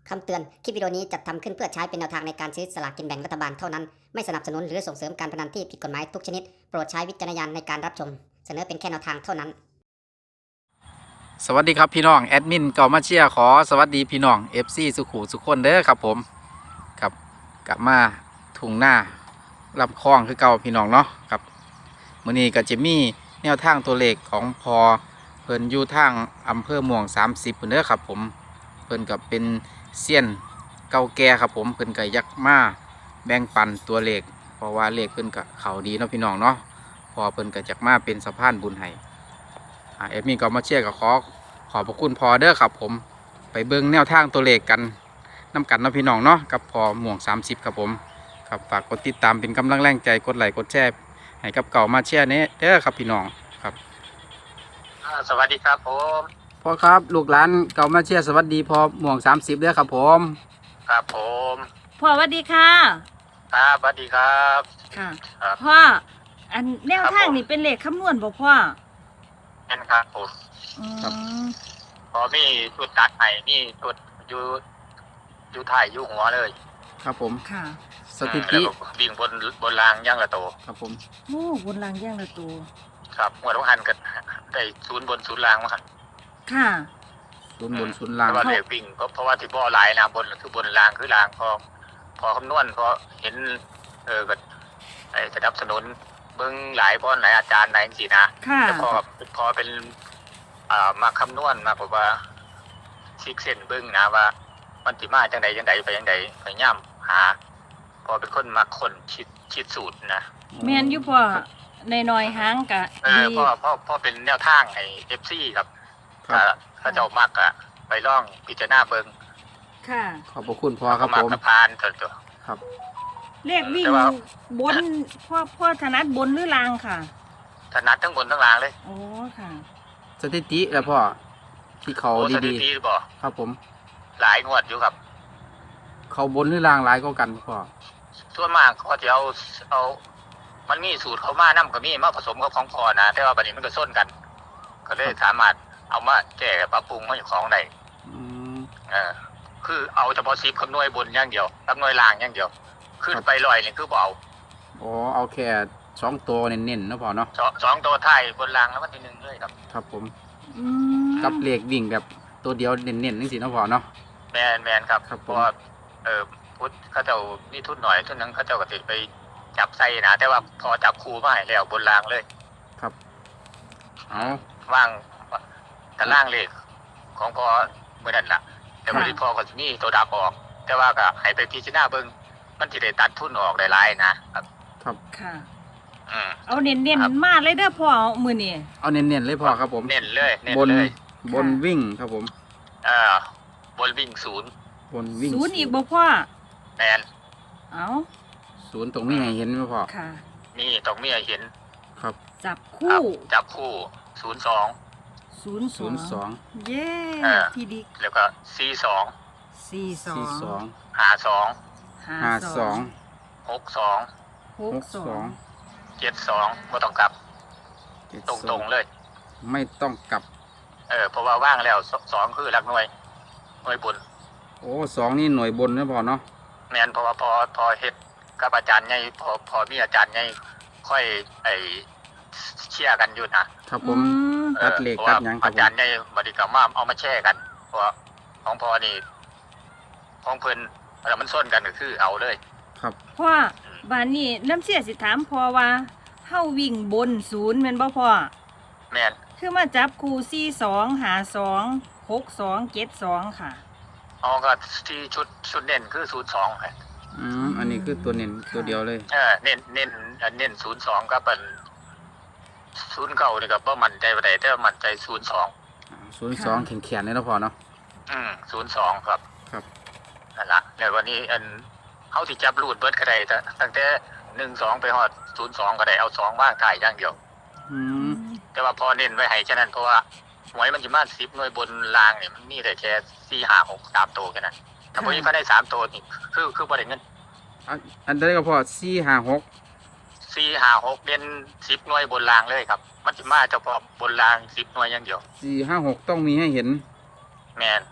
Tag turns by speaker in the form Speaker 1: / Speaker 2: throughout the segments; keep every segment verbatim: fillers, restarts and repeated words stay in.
Speaker 1: คำเตือน คลิปวิดีโอนี้จัดทำขึ้นเพื่อใช้เป็นแนวทางในการซื้อสลากกินแบ่งรัฐบาลเท่านั้น ไม่สนับสนุนหรือส่งเสริมการพนันที่ผิดกฎหมายทุกชนิด โปรดใช้วิจารณญาณในการรับชม เสนอเป็นแค่แนวทางเท่านั้น
Speaker 2: สวัสดีครับพี่น้องแอดมินเก่ามาเชียร์ขอสวัสดีพี่น้อง เอฟ ซี สุขุสุขคนเด้อครับผมครับกลับมาทุ่งหน้าลำคลองคือเก่าพี่น้องเนาะครับมื้อนี้ก็จะมีแนวทางตัวเลขของพอเพิ่นอยู่ทางอำเภอม่วงสามสิบเพิ่นเด้อครับผมเพิ่นกับเป็นเซียนเก่าแก่ครับผมเพิ่นก็ยักมาแบ่งปันตัวเลขเพราะว่าเลขเพิ่นก็เข้าดีเนาะพี่น้องเนาะพอเพิ่นก็จักมาเป็นสะพานบุญให้เอฟมีก็มาเชียร์กับขอขอบพระคุณพอเด้อครับผมไปเบิ่งแนวทางตัวเลขกันน้ำกันเนาะพี่น้องเนาะกับพอหม่วงสามสิบครับผมครับฝากกดติดตามเป็นกำลังแรงใจกดไลค์กดแชร์ให้กับเก่ามาเชียร์เนี้เด้อครับพี่น้องครับ
Speaker 3: สวัสดีครับผม
Speaker 2: พ่อครับลูกหลานเก่ามาเชียร์สวัสดีพอหม่วงสามสิบเด้อครับผม
Speaker 3: ครับผม
Speaker 4: พ่อสวัสดีค่ะ
Speaker 3: ครับสวัสดีครับ
Speaker 4: ค่ะ
Speaker 3: ครับ
Speaker 4: พ่ออันแนว
Speaker 3: ครับ
Speaker 4: ทาง
Speaker 3: ผม
Speaker 4: นี่เป็นเลขคำนวณบ่พ่อ
Speaker 3: เช่นครับผม
Speaker 4: อืม
Speaker 3: พอมีชุดตัดไห้มีชุดอยู่อยู่ถ่ายอยู่หัวเลย
Speaker 2: ครับผม
Speaker 4: ค่ะ
Speaker 2: สถิ
Speaker 3: แล้
Speaker 2: ติ
Speaker 3: วก็วิ่งบนบนรางย่างละโต
Speaker 2: ครับผม
Speaker 4: โอ้บนรางแย่งละตัว
Speaker 3: ครับหัวต้องหันกันได้ศูนย์บนศูนย์รางมาหัน
Speaker 4: ค่ะ
Speaker 2: ศูนย์บนศูนย์ล่าง
Speaker 3: แต่ว่าเด็กวิ่งเพราะเพราะว่าที่บ่อหลายนะบนคือบนรางคือรางพอพอคำนวณพอเห็นเออก็ไอ้สนับสนุนเบิ้งหลายพ่อหลายอาจารย์หลายสินะ
Speaker 4: ค่ะ
Speaker 3: แต่พอพอเป็นอ่ามาคำนวณมาบอกว่าซิกเซนเบิ้งนะว่ามันติมาจังใดจังใดไปจังใดพยายามหา พอเป็นคนมาคนคิดคิดสูตรนะ
Speaker 4: แม่นอยู่พ่อในน้อยๆหางกะ
Speaker 3: เออ
Speaker 4: ดี
Speaker 3: พ่อพ่อพ่อเป็นแนวทางไอ้เอฟซีครับ
Speaker 2: ครับ
Speaker 3: อ่าถ้าเจ้ามักอะไปล่องพิจารณาเบิ้ง
Speaker 4: ค่ะ
Speaker 2: ขอบพระคุณพ่อครับ
Speaker 3: มั
Speaker 2: ผม
Speaker 3: กกระพานเถอะตัว
Speaker 2: ครับ
Speaker 4: เลขวิ่ง
Speaker 3: แต่ว่า
Speaker 4: บนพ่อพ่อถนัดบนหรือรางค่ะ
Speaker 3: ถนัดทั้งบนทั้งล่างเลย
Speaker 4: โอ้ค่ะ
Speaker 2: สถิติแล้วพ่อที่เขา
Speaker 3: โอ้สถิ
Speaker 2: ดี
Speaker 3: ติบอก
Speaker 2: ๆครับผม
Speaker 3: หลายงวดอยู่ครับ
Speaker 2: เขาบนหรือล่างหลายก็กันพ่อ
Speaker 3: ส่วนมากเขาจะเอาเอา มันมีสูตรเขามานํกับมีมาผสมกับของพอนะแต่ว่าบัดนี้มันก็ส้นกัน ก็เลยสามารถเอามาแก้ปรับปรุงมาอยู่ของได้
Speaker 2: อืม
Speaker 3: เออคือเอาเฉพาะซิปคำนวยบนอย่างเดียวคำนวยล่างอย่างเดียว ขึ้น
Speaker 2: ครับ
Speaker 3: ไปลอยนี่คือบ่เอา
Speaker 2: อ๋อเอาแค่สองตัวเน้นๆเนาะพ่อเนาะ
Speaker 3: สองสองตัวท้ายบนล่างแล้วมันทีหนึ่งเลยครับ
Speaker 2: ครับผม
Speaker 4: อืม
Speaker 2: กับเลขวิ่งแบบตัวเดียวเน้นๆนั่นสิเนาะพ่อเนาะ
Speaker 3: แมนแมนครับ
Speaker 2: ครับผม
Speaker 3: เพราะว่าเออพุทธเขาเจ้ามีทุนหน่อยทุนนึงเขาเจ้าก็ติดไปจับใส่นะแต่ว่าพอจับครูมาให้แล้วบนล่างเลย
Speaker 2: ครับเอา
Speaker 3: ว่างตารางเลขของพอเมื่อนั้นล่ะ แต่บริพอก็จะมีตัวดับออก แต่ว่าก็ให้ไปพิจารณาเบิ่งมันที่ได้ตัดทุนออกได้หลายนะครับ
Speaker 2: ครับ
Speaker 4: ค่ะ
Speaker 3: อืม
Speaker 4: เอาเน้น
Speaker 3: ครับ
Speaker 4: ๆมาเลยเด้อพ่อมื้อนี้
Speaker 2: เอาเน้นๆเลยพ่อครับผม
Speaker 3: เน้นเลยเน้น
Speaker 2: บน
Speaker 3: เลย
Speaker 2: บนวิ่งครับผม
Speaker 3: เอ่อบนวิ่งศูนย์
Speaker 2: บนวิ่ง
Speaker 4: ศูนย์อีกบ่พ่อ
Speaker 3: แมน
Speaker 4: เอา
Speaker 2: ศูนย์ตรงนี้ให้เห็นไหมพ่อ
Speaker 4: ค่ะ
Speaker 3: นี่ต้องมีให้เห็น
Speaker 2: ครับ
Speaker 4: จับ
Speaker 3: ครั
Speaker 4: คู่
Speaker 3: บจับคู่ศูนย์สอง
Speaker 4: ศูนย์ส
Speaker 2: ศู
Speaker 4: อน
Speaker 2: ย์สอง
Speaker 4: งเย้
Speaker 3: เออ
Speaker 4: ที่ดี
Speaker 3: แล้วก็สี่สอง
Speaker 4: สี่สอ
Speaker 2: สี่
Speaker 4: ง
Speaker 2: สอง
Speaker 3: หาสอง
Speaker 2: ห้าสอง
Speaker 3: หกสอง
Speaker 4: ห
Speaker 2: ห
Speaker 4: ก
Speaker 2: ก
Speaker 4: สอ
Speaker 2: สอง ง
Speaker 3: เจ็ดสองก็ต้องกลับ
Speaker 2: เจ็ด
Speaker 3: ต
Speaker 2: ส
Speaker 3: ร
Speaker 2: อง
Speaker 3: งๆเลย
Speaker 2: ไม่ต้องกลับ
Speaker 3: เออเพราะว่าว่างแล้วสสองคือหลักหน่วยหน่วยบุญ
Speaker 2: โอ้สองนี่หน่วยบนนะพ่อเนาะ
Speaker 3: แมนเพราะว่าพอพอเฮ็ดกับอาจารย์ไงพอพอมีอาจารย์ไงค่อยไอเชี่ยร์กันอยู่นะครับ
Speaker 2: ผม
Speaker 4: อืม
Speaker 3: ออ
Speaker 2: ตัดเหล็ก
Speaker 3: พราะ
Speaker 2: ตั
Speaker 3: ว่า
Speaker 2: ดหยังครับ
Speaker 3: อาจารย์ไงบริกรรมว่าเอามาแช่กัน เพราะว่าของพอนี่ของเพิ่นแล้วมันส้นกันก็คือเอาเลย
Speaker 2: ครับ
Speaker 4: พ่อบ้านนี้น้ำเสียสิถามพ่อว่าเฮาวิ่งบนศูนย์แม่นบ่พ่อ
Speaker 3: แมน
Speaker 4: คือมาจับคู่สี่สองหาสองหกสองเจ็ดสองค่ะ
Speaker 3: เอาก็ที่ชุดชุดเน้นคือศูนย์สอง
Speaker 2: อืมอันนี้คือตัวเน้นตัวเดียวเลย
Speaker 3: เออเน้นเน้นเน้นศูนย์สองก็เป็นศูนย์เก่านี่ก็บ่มั่นใจปานใดแต่ว่ามั่นใจศูนย์สอง
Speaker 2: ศูนย์สองแข็งแข็งเลยนะพ่อเนาะ
Speaker 3: อืมศูนย์สองครับ
Speaker 2: ครับ
Speaker 3: นั่นละเดี๋ยววันนี้อันเขาที่จับรูดเบิดก็ได้แต่ตั้งแต่หนึ่งสองไปฮอดศูนย์สองก็ได้เอาสองว่างถ่ายอย่างเดียว
Speaker 2: อืม
Speaker 3: แต่ว่าพอเน้นไว้ให้ฉะนั้นเพราะว่าหวยมันจะมาสิบหน่วยบนรางเนี่ยมันมีแต่แค่สี่ห้าหกสามตัวแค่นั้นถ้าพอนี้ก็ได้สามตัวนี่คือคือประเด็นเงิน
Speaker 2: อันอันใดก็พ่อสี่ห้าหก
Speaker 3: สี่ห้าหกเด่นสิบหน่วยบนรางเลยครับ มันจะมาเฉพาะบนรางสิบหน่วยอย่างเดียว
Speaker 2: สี่ห้าหกต้องมีให้เห็น
Speaker 3: แมน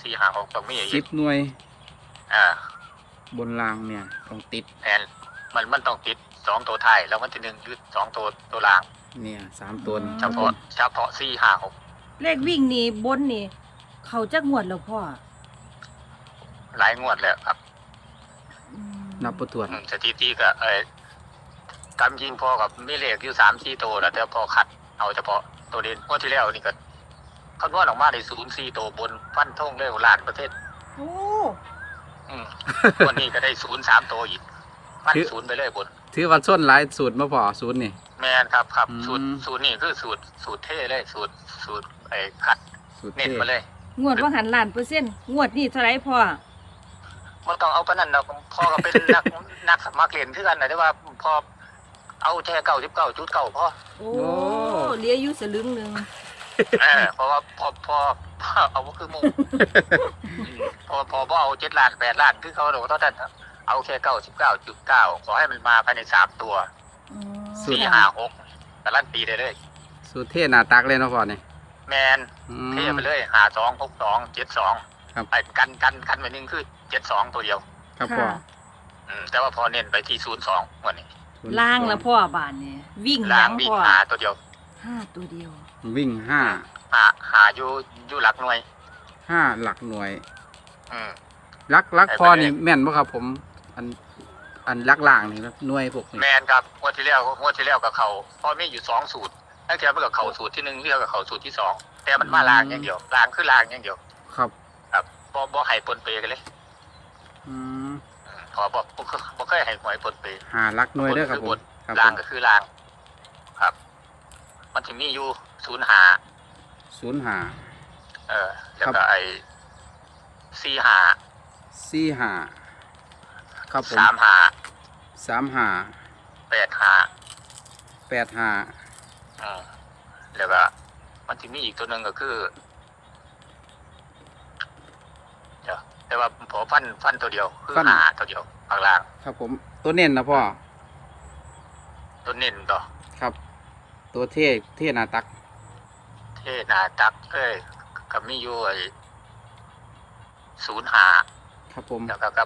Speaker 3: สี่ห้าหกต้องมีอี
Speaker 2: สิ
Speaker 3: ก
Speaker 2: บหน่วย
Speaker 3: อ่า
Speaker 2: บนรางเนี่ยต้องติด
Speaker 3: แทนมันมันต้องติดสองตัวท้ายแล้วมันที่หนึ่งคือสองตัวตัวล่าง
Speaker 2: เนี่ยสามตัว
Speaker 3: เฉพาะเฉพาะสี่ห้าหก
Speaker 4: เลขวิ่งนี่บนนี่ เขาจักงวดแล้วพ่อ
Speaker 3: หลายงวดแล้วครับ
Speaker 4: อืม
Speaker 2: นับประตรวจ
Speaker 3: อืมสถิติก็เอ้ยกำยิงพอกับมีเลขอยู่สามสี่ตัวแล้วแต่พอขัดเอาเฉพาะตัวเด่นงวดที่แล้วนี่ก็คำนวณออกมาได้ศูนย์สี่ตัวบนฟันทงเลยล้านเปอร์เซ็นต์
Speaker 4: โอ้
Speaker 3: อืมวันนี้ก็ได้ศูนย์สามตัวอีกฟันศูนย์ไปเลยบน
Speaker 2: ถือว่าส้นหลายสูตรมาพอสูตรนี่
Speaker 3: แมนครับครับ
Speaker 2: อืม
Speaker 3: สูตรสูตรนี่คือสูตรสูตรเท่เลยสูตรสูตรไอ้ขัด
Speaker 2: สูตร
Speaker 3: เน้น
Speaker 2: เท่
Speaker 3: มาเลย
Speaker 4: งวดว่าหันล้านเปอร์เซ็นต์งวดนี่เท่าไหร่พ่อ
Speaker 3: มันต้องเอาปานนั้นเราพอก็เป็น นัก นักสมัครเรียนคือกันนะแต่ว่าพอเอาแค่เก้าสิบเก้าจุดเก้าพอ
Speaker 4: โอ้เหลืออยู่สลึงหนึง
Speaker 3: เออเพราะว่าพอพอพอเอาก็คือหมุงพอพอพอเอาเจ็ดล้านแปดล้านคือเขาบอกเท่านั้นเอาแค่เก้าสิบเก้าจุดเก้าขอให้มันมาภายในสามตัว
Speaker 4: อืม
Speaker 3: สี่ห้าหกแต่ลั่นปีได้เลย
Speaker 2: สูตรเท่หน้าตักเลยเนาะพ่อนี่
Speaker 3: แมน
Speaker 2: อืม
Speaker 3: เท่ไปเลยหาสองหกสองเจ็ดสอง
Speaker 2: ครับ
Speaker 3: ไอ้กันกันกันไปหนึ่งคือเจ็ดสองตัวเดียว
Speaker 2: ครับพ่อ
Speaker 4: ค่ะ
Speaker 3: อืมแต่ว่าพอเน้นไปที่ศูนย์สองวันนี้
Speaker 4: ล่างละพ่อบานนี่วิ่งห
Speaker 3: ล้า
Speaker 4: ยัง ง
Speaker 3: วิ่ง
Speaker 4: พ่อ
Speaker 3: หาตัวเดียว
Speaker 4: ห้าตัวเดียว
Speaker 2: วิ่งห้า
Speaker 3: หาหาอยู่อยู่หลักหน่วย
Speaker 2: ห้าหลักหน่วย
Speaker 3: อืม
Speaker 2: ลักลัก
Speaker 3: ไปไป
Speaker 2: พอนี่
Speaker 3: เลย
Speaker 2: แม่นบ่ครับผม อันอันลักล่างนี่ครับหน่วยพวกนี้
Speaker 3: แมนครับงวดที่แล้วงวดที่แล้วกับเขาพอมีอยู่สองสูตรตั้งแต่เมื่อกับเขาสูตรที่หนึ่งเรียกกับเขาสูตรที่สองแต่มันมาลางอย่างเดียวลางคือลางอย่างเดียว
Speaker 2: ครับ
Speaker 3: ครับบ่บ่ให้ปนเปกันเลย
Speaker 2: อืม
Speaker 3: อืมขอบอกบ่เคยบ่เคยให้หวยปนเป
Speaker 2: หาลักหน่วยเด้อครับผมครับ
Speaker 3: ลาง
Speaker 2: ผม
Speaker 3: ก็คือลาง ครับ มันจะมีอยู่ศูนย์หา
Speaker 2: ศูนย์ห้า
Speaker 3: เออแล้ว
Speaker 2: ครั
Speaker 3: ก็
Speaker 2: บ
Speaker 3: ไอ้สี่หา
Speaker 2: สี่ห้าครับผม
Speaker 3: สามหา
Speaker 2: สามห้า
Speaker 3: แปดหา
Speaker 2: แปดห้า
Speaker 3: อืมแล้วก็มันจะมีอีกตัวหนึ่งก็คือเดี๋ยวแต่ว่าผมฟันฟันตัวเดียว คือหาตัวเดียวข้างล่าง
Speaker 2: ครับผมตัวเน้นนะพ่อ
Speaker 3: ตัวเน้นต่อ
Speaker 2: ครับ ตัวเท่เท่หน้าตัก
Speaker 3: เทนาตักเอ้ยกับมีอยู่ไอ้ศูนย์หา
Speaker 2: ครับผม
Speaker 3: แล้วก็กับ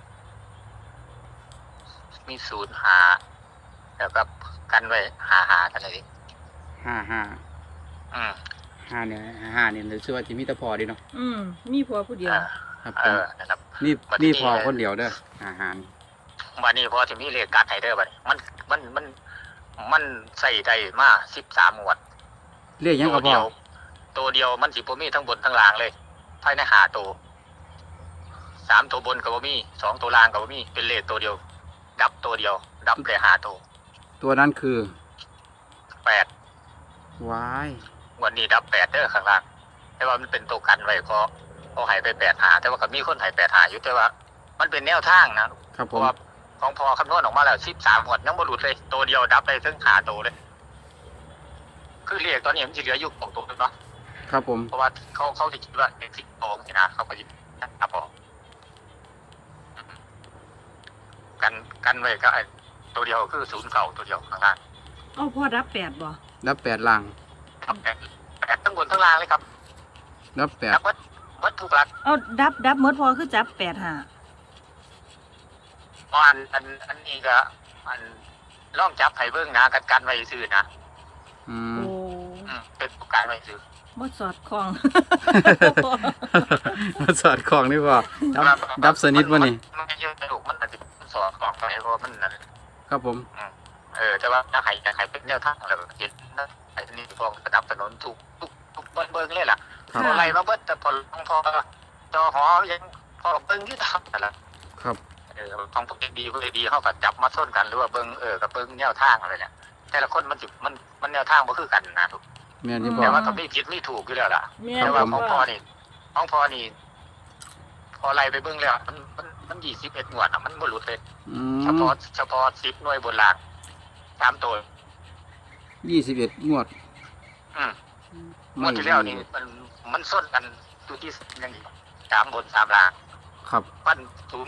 Speaker 3: มีศูนย์หาแล้วก็กันไว้หาหากันเลยดิ
Speaker 2: ห้าห้า
Speaker 3: อืม
Speaker 2: ห้าเนี่ยห้าเนี่ยหรือชื่อว่าจิมีแตะพอดีเนาะ
Speaker 4: อืมมีผัวผู้เดียว
Speaker 3: อ่า
Speaker 2: ครับ
Speaker 3: เอ
Speaker 2: ผม
Speaker 3: อนะครับ
Speaker 2: นี่
Speaker 3: วันนี้
Speaker 2: นี่พอคนเดียวเด้ออาหาร
Speaker 3: วันนี้พอจะมีเลขการไฮเดอร์ไปมันมันมันมันใส่ได้มาสิบสามหมวด
Speaker 2: เรียกยัง
Speaker 3: ตั
Speaker 2: ก็
Speaker 3: ว
Speaker 2: พ
Speaker 3: เดี
Speaker 2: อ
Speaker 3: ยว ตัวเดียวมันสิบ่มีทั้งบนทั้งล่างเลยภายในหาตัวสามตัวบนกับบ่มีสองตัวล่างกับบ่มีเป็นเลขตัวเดียว ดับตัวเดียว ดับเลยหาตัว
Speaker 2: ตัวนั้นคือ
Speaker 3: แปด
Speaker 2: วาย
Speaker 3: วันนี้ดับแปดเด้อข้างล่างแต่ว่ามันเป็นตัวกันไว้เพราะเพราะใหายไปแปดหาแต่ว่าก็มีคนใหายแปดหาอยู่แต่ว่า มันเป็นแนวทางนะครับ เพ
Speaker 2: ผ
Speaker 3: ราะ
Speaker 2: ม
Speaker 3: ว่าของพอคำนวณออกมาแล้วสิบสามหมวดยังบ่หลุดเลยตัวเดียวดับได้ถึงหาตัวเลย คือเรียกตอนนี้มันจะเหลืออยู่ของตัวนึงเนาะ
Speaker 2: ครับผม
Speaker 3: เพราะว่าเขาเขาจะคิดว่าเป็นสิบโองนะเขาก็ยิบนับออกกันกันไว้ก็ไอ้ตัวเดียวคือศูนย์เก่าตัวเดียวข้างล่าง
Speaker 4: เอาพ่อรับแปดบ่
Speaker 2: รับแปดล่าง
Speaker 3: ครับแปดแปดทั้งบนทั้งล่างเลยครับ
Speaker 2: รับแปด
Speaker 3: นับวัดวัดทุกหลัก
Speaker 4: เอาดับดับหมดพอคือจับแปดห้า
Speaker 3: เพราะอันอันอันนี้ก็อันล่องจับไห้เบิ้งนะกันกันไว้ซื้อนะ
Speaker 2: อืม
Speaker 4: โอ้
Speaker 3: อืมเป็นตัวการไว้ซื้อ
Speaker 4: บ่สอดคล้อง
Speaker 2: มาสอดของนี่พอดับดับสนิทวะนี่
Speaker 3: มันไม่เยอะถูกมันอาจจะสอบของไปเพราะว่ามันนั่น
Speaker 2: ครับผม
Speaker 3: เออแต่ว่าถ้าใครจะใครเป็นแนวทางอะไรแบบนี้นะไอ้นี่พอสนับสนุนทุกทุกทุกเบิ้งเบิ้งเลยล่ะ
Speaker 2: ครับ
Speaker 3: พออะไรมาเบิ้งแต่พอลงพอจอหอยังพอเบิ้งที่ทำแต่ละ
Speaker 2: ครับ
Speaker 3: เออของพวกดีพวกดีเขาก็จับมาส้นกันหรือว่าเบิ้งเออกับเบิ้งแนวทางอะไรเนี่ยแต่ละคนมันจิมันมันแนวทางมันคือกันนะทุก
Speaker 2: แม่นที่พอ
Speaker 3: แต่ว่าก็ไม่ผิดไม่ถูกอยู่แล้วล่ะ
Speaker 4: แม่
Speaker 2: ครั
Speaker 3: แต่
Speaker 2: บ
Speaker 3: ว่า
Speaker 2: ผม
Speaker 3: ของพอนี่ของพอนี่พอไล่ไปเบิ้งแล้วมันมันมันยี่สิบเอ็ดหน่วยอ่ะมันบ่หลุดเลย
Speaker 2: อื
Speaker 3: เฉ
Speaker 2: ม
Speaker 3: พาะเฉพาะสิบหน่วยบนล่างสามตัว
Speaker 2: ยี่สิบเอ็ดงวด
Speaker 3: อืมงวดที่แล้วนี่มันมันส้นกันดูที่ยังอีกสามบนสามล่าง
Speaker 2: ครับ
Speaker 3: ปั้นสูง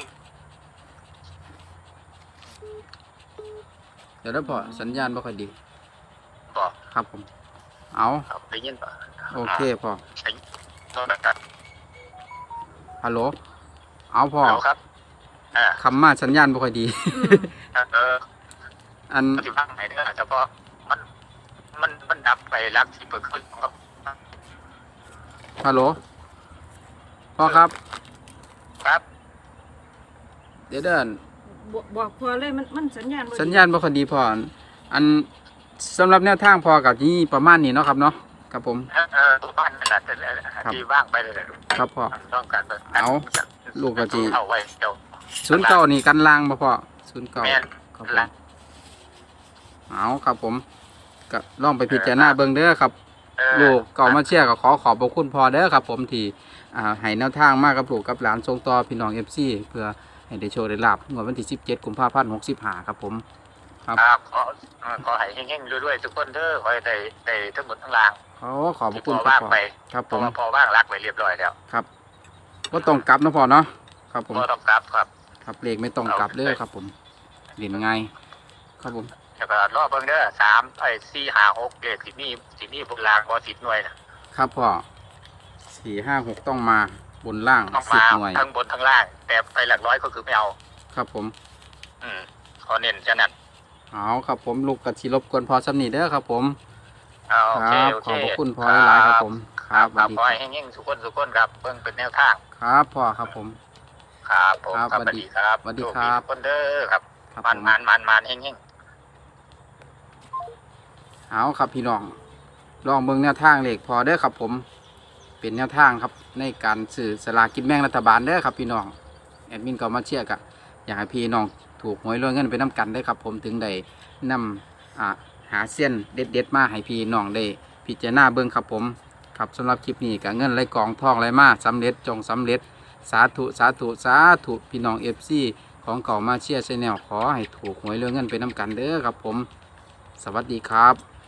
Speaker 2: เดี๋ยวแล้วพอสัญญาณบ่ค่อยดี
Speaker 3: ต่อ
Speaker 2: ครับผม เอา
Speaker 3: ครับได้ยินป่ะ
Speaker 2: โอเคพอ
Speaker 3: ใช้โทรศัพท์
Speaker 2: ฮัลโหลเอาพ่อ
Speaker 3: ฮัลโหลครับอ่า
Speaker 2: คำมาสัญญาณบ่ค่อยดี
Speaker 4: อืม
Speaker 3: เออ
Speaker 2: อัน
Speaker 3: ปฏิบัติไหนเด้อเฉพาะมันมันมันดับไปรักที่เปิดขึ้นครับ
Speaker 2: ฮัลโหลพ่อครับ
Speaker 3: ครับ
Speaker 2: เดี๋ยวเดิน
Speaker 4: บอกบอกพอเลยมันมันสัญญาณบ่ดี
Speaker 2: สัญญาณบ่ค่อยดีพ่ออันสำหรับแนวทางพ่อกับนี่ประมาณนี้เนาะครับเนาะครับผม
Speaker 3: เออเออตัวบ้านนั่นแหละที่ว่างไปเลย
Speaker 2: ครับพ่อ
Speaker 3: ต้องการไป
Speaker 2: เอาลูกกะจี
Speaker 3: เอาไว้เดี๋ยว
Speaker 2: ศูนย์เก้านี่กันลางบ่พ่อศูนย์เก้า
Speaker 3: แม่น
Speaker 2: ครับผมเอาครับผมก็ลองไปพิจารณาเบิ่งเด้อครับ
Speaker 3: เออ
Speaker 2: ลูกเก่ามาเชียร์ก็ขอขอบพระคุณพ่อเด้อครับผมที่อ่าให้แนวทางมากกับลูกกับหลานส่งต่อพี่น้อง เอฟ ซี เพื่อให้ได้โชว์ได้ลาบงวดวันที่สิบเจ็ดกุมภาพันธ์หกสิบห้าครับผม ครับ
Speaker 3: ครับขอเอ่อขอให้เฮงๆรวยๆทุกคนเด้อขอให้ได้ได้ทั้งหมดทั้งราง
Speaker 2: ขอขอบพ
Speaker 3: ที่
Speaker 2: ระ
Speaker 3: พ
Speaker 2: คุณ
Speaker 3: อ
Speaker 2: ครั
Speaker 3: ว่า
Speaker 2: บ
Speaker 3: ง
Speaker 2: พ่อ
Speaker 3: ไป
Speaker 2: ครับ
Speaker 3: พ
Speaker 2: ผ
Speaker 3: อ
Speaker 2: ม
Speaker 3: พอว่างรักไว้เรียบร้อยแล้ว
Speaker 2: ครับก็ต้องกลับนะพ่อเนาะครับผม
Speaker 3: พอต้องกลับครับ
Speaker 2: ครับเลขไม่ต้องกลับเด้อครับผมเรียนง่ายครับผม
Speaker 3: แล้วก็รอเบิ่งเด้อสามไอ้สี่ห้าหกเลขสิมีสิมีบนรางบ่สิบหน่วยนะครับ
Speaker 2: พ่อสี่ห้าหกต้องมาบนล่าง
Speaker 3: ต้อง
Speaker 2: สิบ
Speaker 3: มา
Speaker 2: หน่วย
Speaker 3: ทั้งบนทั้งล่าง แต่ไปหลักร้อยก็คือไม่เอา
Speaker 2: ครับผม
Speaker 3: อืมขอเน้นจะนั่น
Speaker 2: เอาครับผมลูกกะทิรบกวนพอสำนีเด้อครับผม
Speaker 3: เอาโอ
Speaker 2: ค
Speaker 3: เค
Speaker 2: รับ
Speaker 3: โอ
Speaker 2: ข
Speaker 3: เค
Speaker 2: อบพระคุณพอหลายๆครับผม
Speaker 3: ครับ
Speaker 2: ส
Speaker 3: ครั
Speaker 2: วั
Speaker 3: บ
Speaker 2: สดี
Speaker 3: ขอให้เฮงๆทุกคนทุกคนครับเบิ่งเป็นแนวทาง
Speaker 2: ครับพ่อครับผม
Speaker 3: ครับผม
Speaker 2: ครับ
Speaker 3: ครับ
Speaker 2: ส
Speaker 3: ส
Speaker 2: วั
Speaker 3: วั
Speaker 2: ส
Speaker 3: ส
Speaker 2: ดี
Speaker 3: ดีครับ
Speaker 2: สวัสดี
Speaker 3: โช
Speaker 2: ครับ
Speaker 3: ทุกคนเด้อครับ
Speaker 2: ครับ
Speaker 3: มัน
Speaker 2: ผม
Speaker 3: มันมันมันเฮงๆ
Speaker 2: เอาครับพี่น้องลองเบิ่งแนวทางเลขพอเด้อครับผม เป็นแนวทางครับในการสื่อสลากกินแบ่งรัฐบาลเด้อครับพี่น้องแอดมินก็มาเชียร์กะอยากให้พี่น้องถูกหวยรวยเงินไปน้ำกันได้อครับผมถึงได้นำอ่าหาเส้นเด็ดเด็ดๆมาให้พี่น้องได้พิจารณาเบิ่งครับผมครับสำหรับคลิปนี้กับเงินไหลกองทองไหลมาสำเร็จจงสำเร็จสาธุสาธุสาธุพี่น้องเอฟซีของเก่ามาเชียร์ชแนลขอให้ถูกหวยรวยเงินไปน้ำกันเด้อครับผม สวัสดีครับ